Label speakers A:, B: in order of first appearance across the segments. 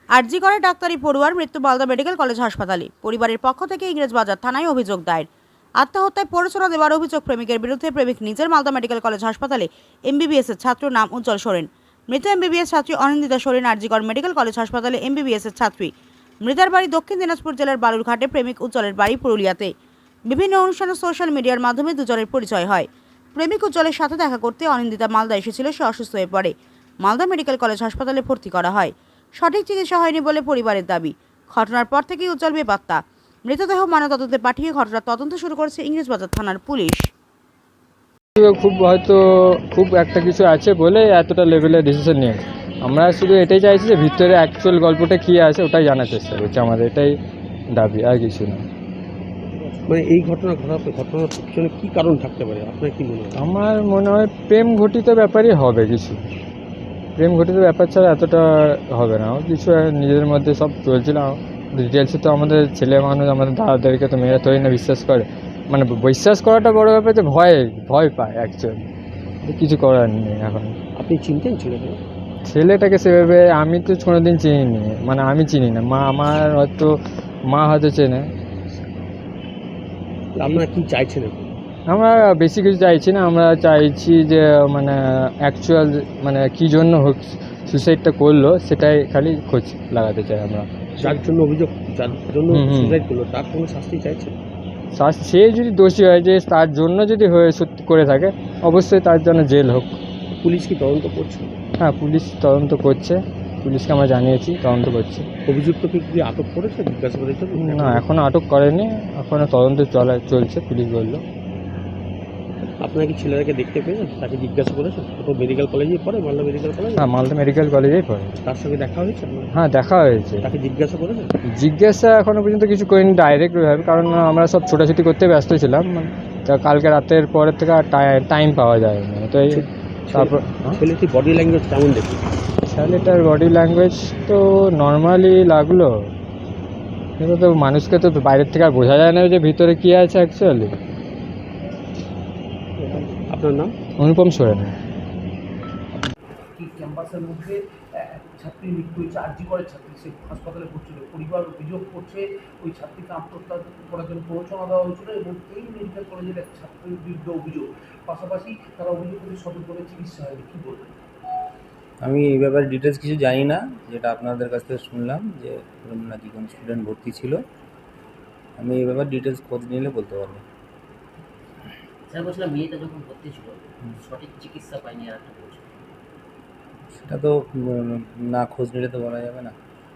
A: আরজি করে ডাক্তারি পড়ুয়ার মৃত্যু মালদা মেডিকেল কলেজ হাসপাতালে। পরিবারের পক্ষ থেকে ইংরেজবাজার থানায় অভিযোগ দায়ের। আত্মহত্যায় প্ররোচনা দেওয়ার অভিযোগ প্রেমিকের বিরুদ্ধে। প্রেমিক নিজের মালদা মেডিকেল কলেজ হাসপাতালে এমবিবিএস এর ছাত্র, নাম উজ্জ্বল সোরেন। মৃত এমবিবিএস ছাত্রী অনিন্দিতা সোরেন আরজি কর মেডিকেল কলেজ হাসপাতালে এমবিবিএস এর ছাত্রী। মৃতার বাড়ি দক্ষিণ দিনাজপুর জেলার বালুরঘাটে। প্রেমিক উজ্জ্বলের বাড়ি পুরুলিয়াতে। বিভিন্ন অনুষ্ঠানে সোশ্যাল মিডিয়ার মাধ্যমে দুজনের পরিচয় হয়। প্রেমিক উজ্জ্বলের সাথে দেখা করতে অনিন্দিতা মালদা এসেছিল। সে অসুস্থ হয়ে পড়ে। মালদা মেডিকেল কলেজ হাসপাতালে ভর্তি করা হয়। সঠিক চিকিৎসা হয়নি বলে পরিবারের দাবি। ঘটনার পর থেকেই উজ্জ্বল বেপাত্তা। মৃতদেহ ময়নাতদন্তে পাঠিয়ে ঘটনার তদন্ত শুরু করেছে ইংরেজবাজার থানার পুলিশ।
B: খুব একটা কিছু আছে বলে এতটা লেভেলের ডিসিশন নিয়ে আমরা শুধু এটাই চাইছি যে ভিতরে অ্যাকচুয়াল গল্পটা কী আছে ওটাই জানার চেষ্টা করছি। আমাদের এটাই দাবি, আর কিছু না।
C: মানে এই ঘটনার পিছনে কী কারণ থাকতে পারে আপনার কি মনে হয়?
B: আমার মনে হয় প্রেম ঘটিত ব্যাপারই হবে কিছু। প্রেম ঘটিত ব্যাপার ছাড়া এতটা হবে না। কিছু নিজেদের মধ্যে সব চলছিল। ডিটেলসে তো আমাদের ছেলে মানুষ, আমাদের দাদাদেরকে তো মেয়েরা তৈরি না বিশ্বাস করে। মানে বিশ্বাস করাটা বড় ব্যাপার, যে ভয় পায় অ্যাকচুয়ালি। কিছু করার নেই এখন।
C: আপনি চিনতেন
B: ছেলেটাকে সেভাবে আমি তো কোনোদিন চিনিনি, মানে আমি চিনি না। মা হয়তো চেনে।
C: আপনারা কি চাইছেন?
B: আমরা বেশি কিছু চাইছি না। আমরা চাইছি যে মানে অ্যাকচুয়াল মানে কী জন্য সুসাইডটা করলো সেটাই খালি খোঁজ লাগাতে চাই আমরা।
C: যার জন্য সুসাইড করলো তার কোনো শাস্তি চাইছেন?
B: সে যদি দোষী হয়, যে তার জন্য যদি সত্যি করে থাকে, অবশ্যই তার জন্য জেল হোক।
C: পুলিশ কি তদন্ত করছে?
B: হ্যাঁ, পুলিশ তদন্ত করছে। পুলিশকে আমরা জানিয়েছি, তদন্ত করছে।
C: অভিযুক্তকে কি আটক করেছে জিজ্ঞাসাবাদের জন্য?
B: না, এখনও আটক করেনি। এখনও তদন্ত চলছে, পুলিশ বললো।
C: আপনারা কি ছেলেটাকে দেখতে পেয়েছেন? তাকে জিজ্ঞাসা করেছেন? ও মেডিকেল কলেজেই পড়ে, মালদা মেডিকেল কলেজ?
B: হ্যাঁ, মালদা মেডিকেল কলেজেই পড়ে।
C: তার সঙ্গে দেখা হয়েছে?
B: হ্যাঁ, দেখা হয়েছে।
C: তাকে জিজ্ঞাসা করেছেন?
B: জিজ্ঞাসা এখনও পর্যন্ত কিছু করিনি ডাইরেক্টভাবে, কারণ আমরা সব ছোটাছুটি করতে ব্যস্ত ছিলাম। তা কালকে রাতের পরের থেকে আর টাইম পাওয়া যায়নি। তো তারপর
C: ছেলেটির বডি ল্যাঙ্গুয়েজ কেমন দেখি?
B: ছেলেটার বডি ল্যাঙ্গুয়েজ তো নর্মালি লাগলো। কিন্তু তো মানুষকে তো বাইরের থেকে আর বোঝা যায় না যে ভিতরে কী আছে অ্যাকচুয়ালি।
C: আপনার নাম?
B: অনুপম সোরেন।
D: ক্যাম্পাসের মধ্যে ছাত্রীর মৃত্যু হয়েছে, আরজি করের ছাত্রী, সে হাসপাতালে ভর্তি ছিল। পরিবার অভিযোগ করছে ওই ছাত্রীকে আত্মহত্যা করার জন্য প্ররোচনা দেওয়া হয়েছিল এবং এই মেডিকেল কলেজের এক ছাত্রীর বিরুদ্ধে অভিযোগ। পাশাপাশি তারা অভিযোগ করে সঠিকভাবে চিকিৎসা হয়নি। কী বলবেন?
E: আমি এই ব্যাপারে ডিটেলস কিছু জানি না। যেটা আপনাদের কাছ থেকে শুনলাম যে নাকি কোনো স্টুডেন্ট ভর্তি ছিল। আমি এই ব্যাপারে ডিটেলস খোঁজ নিলে বলতে পারবো।
F: স্যার বলছিলাম, মেয়েটা যখন ভর্তি ছিল সঠিক চিকিৎসা পায়নি, আর একটা বলছিল।
E: সেটা তো না খোঁজ নিলে তো বলা যাবে না।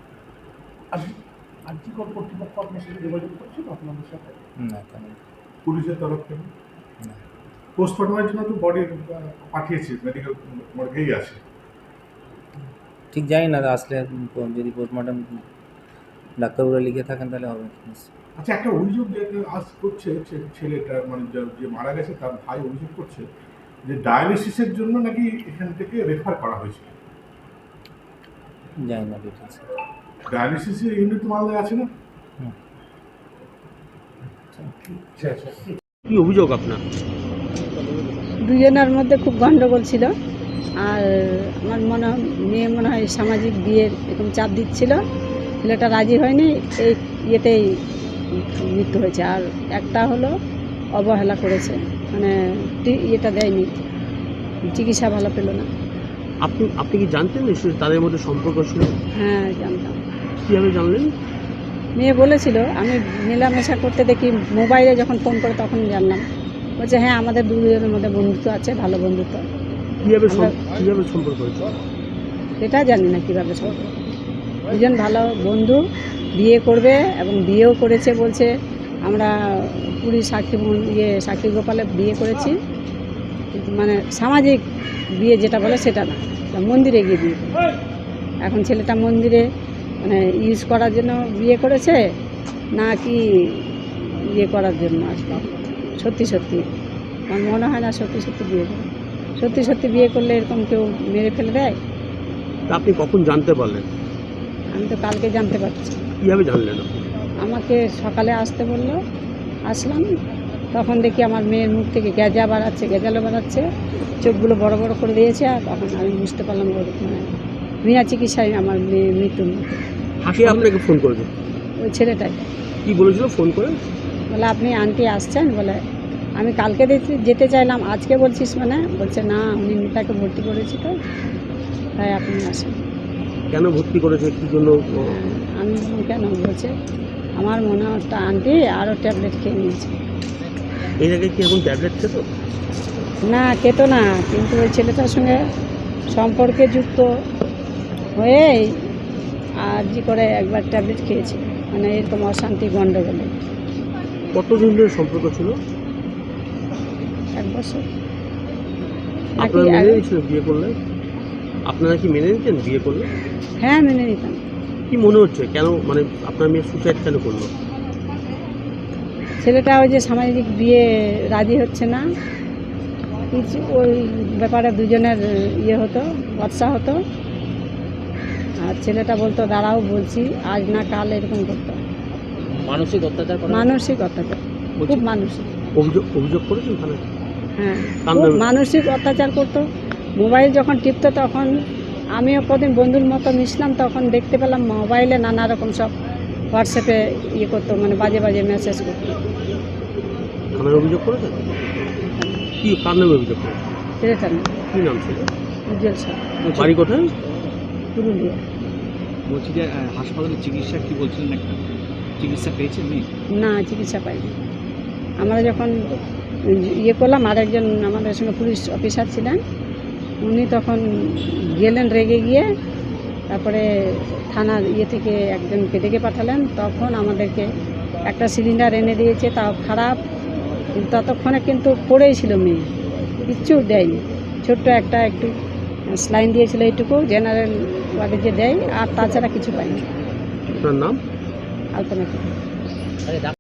D: আরজি কর্তৃপক্ষ আপনার সাথে যোগাযোগ করছিল আপনাদের সাথে?
E: না, তেমন
G: পুলিশের তরফ থেকে
E: না।
G: পোস্টমর্টমের জন্য তো বডি পাঠিয়েছি, মেডিকেল মর্গেই আছে।
E: ঠিক জানি না, আসলে যদি পোস্টমর্টম ডাক্তারবাবুরা লিখে থাকেন তাহলে হবে।
G: আচ্ছা, একটা অভিযোগ আজ করছে ছেলেটা, মানে যে মারা গেছে তার ভাই অভিযোগ করছে যে ডায়ালিসিসের জন্য নাকি এখান থেকে রেফার করা হয়েছে।
E: জানি না ডিটেলস।
G: ডায়ালিসিসের ইউনিট মালদায় আছে না?
C: কি অভিযোগ আপনার?
H: দুজনের মধ্যে খুব গণ্ডগোল ছিল। আর আমার মেয়ে মনে হয় সামাজিক বিয়ের এরকম চাপ দিচ্ছিল। ছেলেটা রাজি হয়নি, এই ইয়েতেই মৃত্যু হয়েছে। আর একটা হলো অবহেলা করেছে, মানে ইয়েটা দেয়নি, চিকিৎসা ভালো পেল না।
C: আপনি কি জানতেন তাদের মধ্যে সম্পর্ক ছিল?
H: হ্যাঁ, জানতাম।
C: কীভাবে জানলেন?
H: মেয়ে বলেছিল, আমি মেলামেশা করতে দেখি মোবাইলে, যখন ফোন করে তখন জানলাম। বলছে হ্যাঁ, আমাদের দুজনের মধ্যে বন্ধুত্ব আছে, ভালো বন্ধুত্ব।
C: কীভাবে সম্পর্ক হয়েছে
H: এটা জানি না কীভাবে সম্পর্ক। দুজন ভালো বন্ধু, বিয়ে করবে এবং বিয়েও করেছে। বলছে আমরা পুরী সাক্ষী গোপালে বিয়ে করেছি, মানে সামাজিক বিয়ে যেটা বলে সেটা না, মন্দিরে গিয়ে বিয়ে করে। এখন ছেলেটা মন্দিরে মানে ইউজ করার জন্য বিয়ে করেছে নাকি ইয়ে করার জন্য আসলে সত্যি আমার মনে হয় না সত্যি বিয়ে করে। সত্যি বিয়ে করলে এরকম কেউ মেরে ফেলে দেয়?
C: আপনি কখন জানতে পারলেন?
H: আমি তো কালকে জানতে পারছি।
C: কীভাবে জানলেন?
H: আমাকে সকালে আসতে বললো, আসলাম। তখন দেখি আমার মেয়ের মুখ থেকে গেজালো বাড়াচ্ছে, চোখগুলো বড় বড় করে দিয়েছে। আর তখন আমি বুঝতে পারলাম মানে বিনা চিকিৎসায় আমার মেয়ে মৃত্যু।
C: কে আপনাকে ফোন করেছে?
H: ওই ছেলেটাই
C: কি বলেছিল ফোন করে?
H: বলে আপনি আন্টি আসছেন, বলে আমি কালকে যেতে চাইলাম, আজকে বলছিস মানে, বলছে না উনি মিতাকে ভর্তি করেছি তো তাই আপনি আসেন।
C: কেন ভর্তি করেছে, কি জন্য?
H: আমি বললাম কেন, বলছে আমার মনে হচ্ছে আন্টি আরও ট্যাবলেট খেয়ে নিয়েছে।
C: এর আগে কি এখন ট্যাবলেট খেত?
H: না খেত না, কিন্তু ওই ছেলেটার সঙ্গে সম্পর্কে যুক্ত হয়ে আর জি করে একবার ট্যাবলেট খেয়েছে, মানে এরকম অশান্তি গণ্ডগোলে।
C: কতদিন ধরে সম্পর্ক ছিল?
H: 1 বছর।
C: আপনারা
H: নাকি
C: মেনে নিয়েছিলেন বিয়ে করলে? আপনারা কি মেনে নিতেন বিয়ে করলে?
H: হ্যাঁ মেনে নিতাম।
C: কি মনে হচ্ছে কেন, মানে আপনার মেয়ে সুসাইড কেন করলো?
H: ছেলেটা ওই যে সামাজিক বিয়ে রাজি হচ্ছে না, কিছু ওই ব্যাপারে দুজনের ইয়ে হতো, বর্ষা হতো। আর ছেলেটা বলতো দাঁড়াও বলছি, আজ না কাল, এরকম করতো।
F: মানসিক অত্যাচার করা?
H: মানসিক অত্যাচার, খুব মানসিক।
C: অভিযোগ করেছেন থানায়?
H: হ্যাঁ
C: কার
H: খুব
C: নামে?
H: মানসিক অত্যাচার করতো। মোবাইল যখন টিপতো তখন আমিও কদিন বন্ধুর মতো মিশলাম, তখন দেখতে পেলাম মোবাইলে নানা রকম সব হোয়াটসঅ্যাপে ইয়ে করতো, মানে বাজে বাজে মেসেজ করতো।
C: থানায় অভিযোগ করেছেন? কি কার নামে অভিযোগ করেছেন?
H: ছেলেটা না,
C: কি নাম ছিল?
H: উজ্জ্বল স্যার,
C: বাড়ি কোথায়?
H: পুরুলিয়া।
I: বলছি যে হাসপাতালে চিকিৎসা কি বলছিলেন, একটা চিকিৎসা পেয়েছেন মেয়ে?
H: না চিকিৎসা পাইনি। আমরা যখন ইয়ে করলাম, আরেকজন আমাদের সঙ্গে পুলিশ অফিসার ছিলেন, উনি তখন গেলেন রেগে গিয়ে, তারপরে থানার ইয়ে থেকে একজনকে ডেকে পাঠালেন, তখন আমাদেরকে একটা সিলিন্ডার এনে দিয়েছে, তাও খারাপ, কিন্তু ততক্ষণে কিন্তু পড়েই ছিল মেয়ে, কিচ্ছু দেয়নি। ছোট্ট একটা একটু স্লাইন দিয়েছিল, এইটুকু জেনারেল ওয়ার্ডে যে দেয়, আর তাছাড়া কিছু পাইনি।
C: আপনার নাম?
H: আলপনা।